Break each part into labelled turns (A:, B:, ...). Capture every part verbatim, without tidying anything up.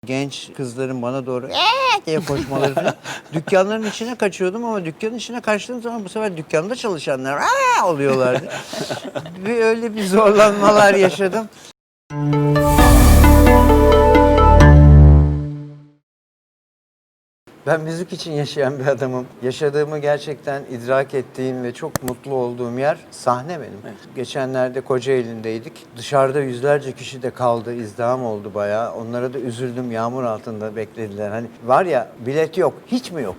A: Genç kızların bana doğru eee diye koşmaları falan. Dükkanların içine kaçıyordum ama dükkanın içine kaçtığım zaman bu sefer dükkanda çalışanlar eee oluyorlardı. Bir öyle bir zorlanmalar yaşadım. Ben müzik için yaşayan bir adamım. Yaşadığımı gerçekten idrak ettiğim ve çok mutlu olduğum yer sahne benim. Evet. Geçenlerde Kocaeli'ndeydik. Dışarıda yüzlerce kişi de kaldı, izdiham oldu bayağı. Onlara da üzüldüm, yağmur altında beklediler. Hani var ya, bilet yok, hiç mi yok?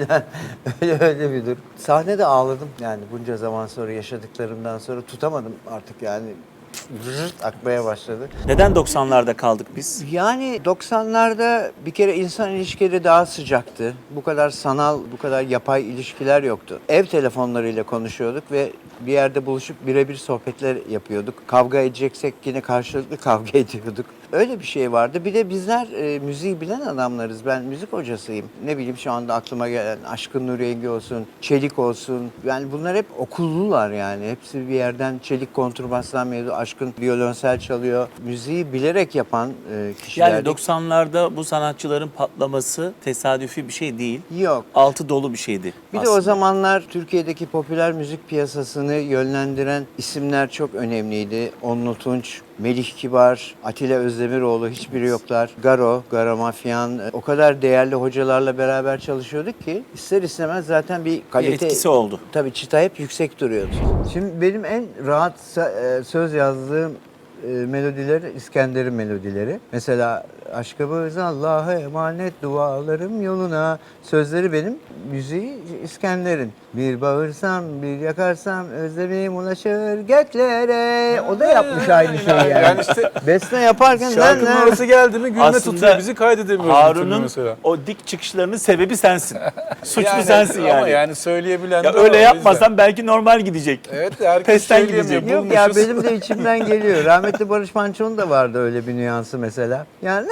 A: öyle öyle bir durum. Sahnede ağladım yani bunca zaman sonra, yaşadıklarımdan sonra tutamadım artık yani. Zırt akmaya başladı.
B: Neden doksanlarda kaldık biz?
A: Yani doksanlarda bir kere insan ilişkileri daha sıcaktı. Bu kadar sanal, bu kadar yapay ilişkiler yoktu. Ev telefonlarıyla konuşuyorduk ve bir yerde buluşup birebir sohbetler yapıyorduk. Kavga edeceksek yine karşılıklı kavga ediyorduk. Öyle bir şey vardı. Bir de bizler e, müziği bilen adamlarız. Ben müzik hocasıyım. Ne bileyim şu anda aklıma gelen Aşkın Nur Yengi olsun, Çelik olsun. Yani bunlar hep okullular yani. Hepsi bir yerden Çelik kontrbastan mevzu, Aşkın violonsel çalıyor. Müziği bilerek yapan e, kişiler.
B: Yani doksanlarda bu sanatçıların patlaması tesadüfi bir şey değil.
A: Yok.
B: Altı dolu bir şeydi
A: Bir
B: aslında.
A: de o zamanlar Türkiye'deki popüler müzik piyasasını yönlendiren isimler çok önemliydi. Onlu Tunç, Melih Kibar, Atilla Özdemiroğlu, hiçbiri yoklar. Garo, Garo Mafyan, o kadar değerli hocalarla beraber çalışıyorduk ki ister istemez zaten bir kalite...
B: Bir etkisi oldu.
A: Tabii çıta hep yüksek duruyordu. Şimdi benim en rahat söz yazdığım melodiler İskender'in melodileri. Mesela aşkımız Allah'a emanet, dualarım yoluna. Sözleri benim, müziği İskender'in. Bir bağırsam, bir yakarsam özlemim ulaşır göklere. O da yapmış aynı şeyi yani.
C: Yani işte
A: Beste yaparken
C: şarkının
A: ben
C: orası geldi mi gülme
B: Aslında
C: tutuyor bizi, kaydedemiyoruz.
B: Harun'un
C: mesela.
B: o dik çıkışlarının sebebi sensin. Suçlu
C: Yani,
B: sensin yani.
C: Ama yani söyleyebilen
B: Ya
C: de
B: öyle
C: o, o
B: yapmasan
C: yüzden.
B: belki normal gidecek.
C: Evet, herkes
B: Pesten
C: söyleyemiyor.
B: gidecek.
A: Yok ya,
C: Bulmuşuz.
A: benim de içimden geliyor. Rahmetli Barış Manço'nun da vardı öyle bir nüansı mesela. Yani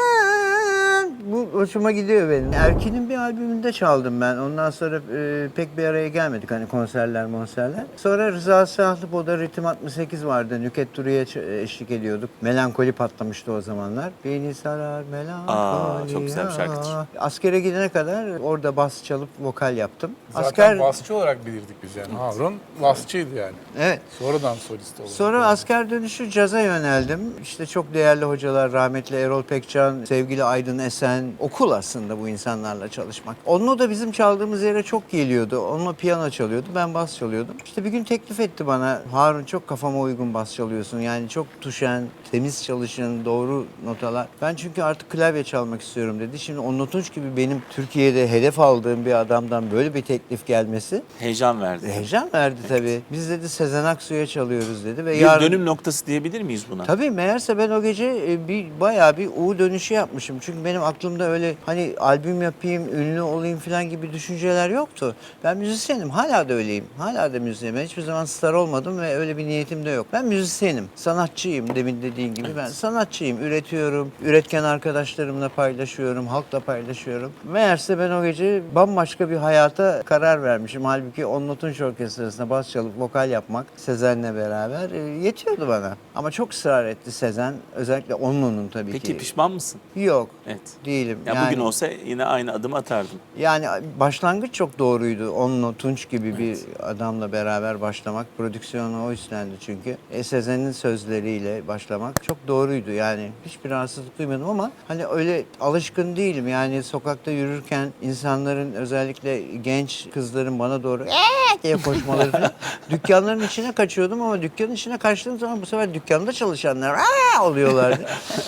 A: bu hoşuma gidiyor benim. Erkin'in bir albümünde çaldım ben. Ondan sonra e, pek bir araya gelmedik hani konserler monserler. Sonra Rıza Sahlıpo'da Ritim altmış sekiz vardı. Nükhet Duru'ya ç- eşlik ediyorduk. Melankoli patlamıştı o zamanlar. Beni sarar melankoli.
B: Aa, çok güzel bir şarkıdır.
A: Askere gidene kadar orada bas çalıp vokal yaptım.
C: Zaten
A: Asker...
C: basçı olarak bilirdik biz yani. Harun basçıydı yani.
A: Evet.
C: Sonradan solist oldu.
A: Sonra asker dönüşü caza yöneldim. İşte çok değerli hocalar, rahmetli Erol Pekcan, sevgili Aydın Esen. Okul aslında bu insanlarla çalışmak. Onunla da bizim çaldığımız yere çok geliyordu. Onunla piyano çalıyordu, ben bas çalıyordum. İşte bir gün teklif etti bana. Harun, çok kafama uygun bas çalıyorsun. Yani çok tuşen, temiz çalışın, doğru notalar. Ben çünkü artık klavye çalmak istiyorum dedi. Şimdi Onlu Tunç gibi benim Türkiye'de hedef aldığım bir adamdan böyle bir teklif gelmesi
B: Heyecan verdi.
A: heyecan verdi tabii. Biz dedi Sezen Aksu'ya çalıyoruz dedi ve
B: Bir
A: yarın...
B: dönüm noktası diyebilir miyiz buna?
A: Tabii, meğerse ben o gece e, bir bayağı bir U dönüşü yapmışım. Çünkü benim aklımda öyle hani albüm yapayım, ünlü olayım falan gibi düşünceler yoktu. Ben müzisyenim, hala da öyleyim. Hala da müzisyenim. Ben hiçbir zaman star olmadım ve öyle bir niyetim de yok. Ben müzisyenim, sanatçıyım demin dediğin gibi. Ben sanatçıyım, üretiyorum, üretken arkadaşlarımla paylaşıyorum, halkla paylaşıyorum. Meğerse ben o gece bambaşka bir hayata karar vermişim. Halbuki Onlu Tunç Orkestrası'nda bas çalıp vokal yapmak Sezen'le beraber e, yetiyordu bana. Ama çok ısrar etti Sezen. Özellikle Onlu'nun tabii
B: Peki
A: ki.
B: pişman mısın?
A: Yok,
B: Evet.
A: değilim.
B: Ya
A: yani,
B: bugün olsa yine aynı adımı atardın.
A: yani başlangıç çok doğruydu. Onlu Tunç gibi bir adamla beraber başlamak. Prodüksiyonu o üstlendi çünkü. E, Sezen'in sözleriyle başlamak çok doğruydu. Yani hiçbir rahatsızlık duymadım ama hani öyle alışkın değilim. Yani sokakta yürürken insanların, özellikle genç kızların bana doğru eee diye koşmaları falan. Dükkanların içine kaçıyordum ama dükkanın içine kaçtığım zaman bu sefer dükkanda çalışanlar eee oluyorlardı.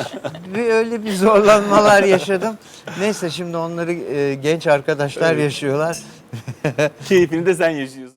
A: bir öyle bir zorlanmalar yaşadım. Neyse, şimdi onları e, genç arkadaşlar yaşıyorlar.
B: Keyfini de sen yaşıyorsun.